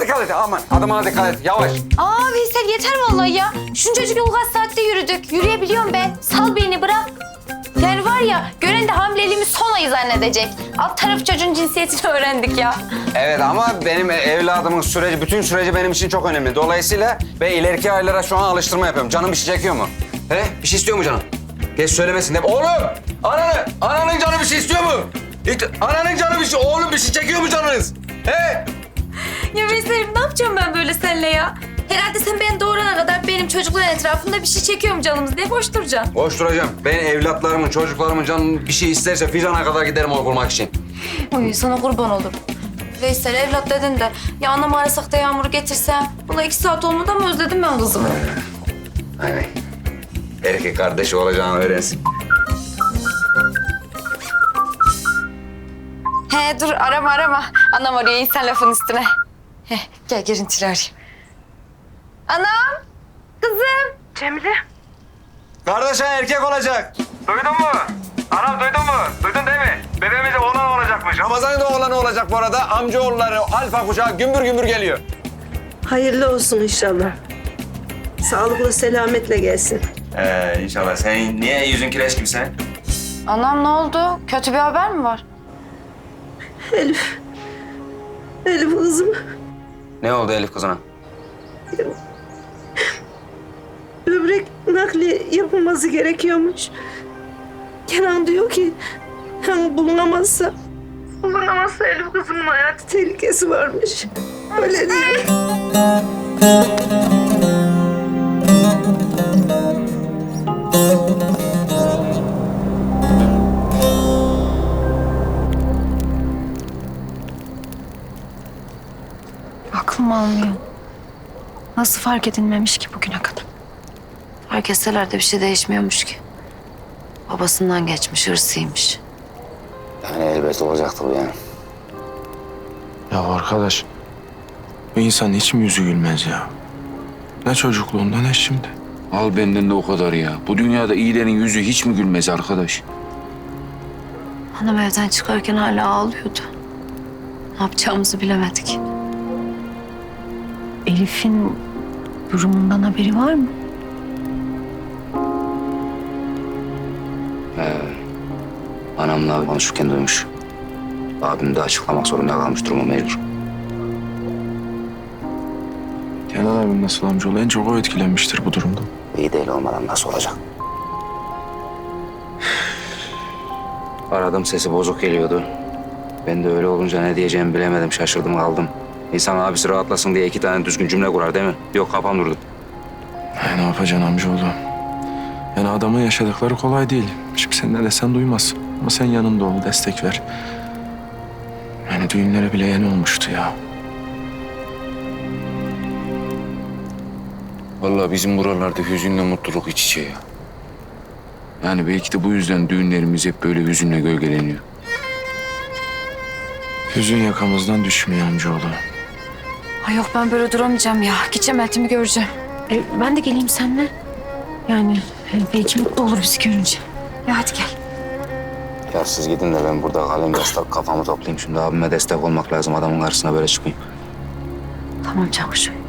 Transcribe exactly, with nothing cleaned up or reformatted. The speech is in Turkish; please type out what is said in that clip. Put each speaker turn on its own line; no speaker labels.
dikkat et. Aman adımına dikkat et. Yavaş.
Aa Veysel yeter vallahi ya. Şuncacık yol kaç saatte yürüdük. Yürüyebiliyorum ben. Sal beni bırak. Yani var ya gören de hamileliğimi son ayı zannedecek. Alt taraf çocuğun cinsiyetini öğrendik ya.
Evet ama benim evladımın süreci, bütün süreci benim için çok önemli. Dolayısıyla ben ileriki aylara şu an alıştırma yapıyorum. Canım bir şey çekiyor mu? He? Bir şey istiyor mu canım? Geç söylemesin de. Oğlum! Ananı! Ananın canı bir şey istiyor mu? İt- Ananın canı bir şey... Oğlum bir şey çekiyor mu canınız? He?
Ya Veysel'im ne yapacağım ben böyle seninle ya? Herhalde sen beni doğurana kadar benim çocukların etrafında bir şey çekiyorum canımız diye boş duracaksın.
Boş duracağım. Ben evlatlarımın, çocuklarımın canı bir şey isterse Fizan'a kadar giderim onu bulmak için.
Uy sana kurban olurum. Veysel evlat dedin de ya anamı arasak da Yağmur'u getirsem. Buna iki saat olmadan mı özledim ben kızımı?
Aynen. Erkek kardeşi olacağını öğrensin.
He dur arama arama. Anam arıyor insan lafın üstüne. He gel görüntülü arayayım. Anam, kızım.
Cemile.
Kardeşin erkek olacak.
Duydun mu? Anam duydun mu? Duydun değil mi? Bebeğimize oğlan olacakmış.
Ramazan'ın da oğlanı olacak bu arada. Amcaoğulları alfa kuşağı gümbür gümbür geliyor.
Hayırlı olsun inşallah. Sağlıklı selametle gelsin.
Ee, inşallah. Senin niye yüzün kireç gibi sen?
Anam ne oldu? Kötü bir haber mi var?
Elif. Elif kızım.
Ne oldu Elif kızına?
Böbrek nakli yapılması gerekiyormuş. Kenan diyor ki yani bulunamazsa bulunamazsa Elif kızımın hayatı tehlikesi varmış. Öyle diyor.
Aklım almıyor. Nasıl fark edilmemiş ki bugüne kadar?
Fark etseler de bir şey değişmiyormuş ki. Babasından geçmiş, hırsıymış.
Yani elbet olacaktı bu yani.
Ya arkadaş, bu insanın hiç mi yüzü gülmez ya? Ne çocukluğunda ne şimdi.
Al benden de o kadar ya. Bu dünyada iyilerin yüzü hiç mi gülmez arkadaş?
Hanım evden çıkarken hala ağlıyordu. Ne yapacağımızı bilemedik.
Elif'in durumundan haberi var mı?
Anamla konuşurken duymuş. Abim de açıklamak zorunda kalmış durumu mecbur.
Kenan abim nasıl amcaoğlu? En çok o etkilenmiştir bu durumda.
İyi değil olmadan nasıl olacak? Aradım sesi bozuk geliyordu. Ben de öyle olunca ne diyeceğimi bilemedim. Şaşırdım kaldım. İnsan abisi rahatlasın diye iki tane düzgün cümle kurar değil mi? Yok kafam durdu.
Ya ne yapacaksın amcaoğlu? Yani adamın yaşadıkları kolay değil. Şimdi sen ne desen duymaz. Ama sen yanında ol, destek ver. Yani düğünlere bile yeni olmuştu ya.
Vallahi bizim buralarda hüzünle mutluluk iç içe ya. Yani belki de bu yüzden düğünlerimiz hep böyle hüzünle gölgeleniyor.
Hüzün yakamızdan düşmüyor amcaoğlu.
Ay yok ben böyle duramayacağım ya. Gideceğim Eltim'i göreceğim. E, ben de geleyim seninle. Yani e, belki mutlu olur bizi görünce. Ya hadi gel.
Ya siz gidin de ben burada kalayım destek kafamı toplayayım. Şimdi abime destek olmak lazım. Adamın karşısına böyle çıkmayayım.
Tamam Çavuşum.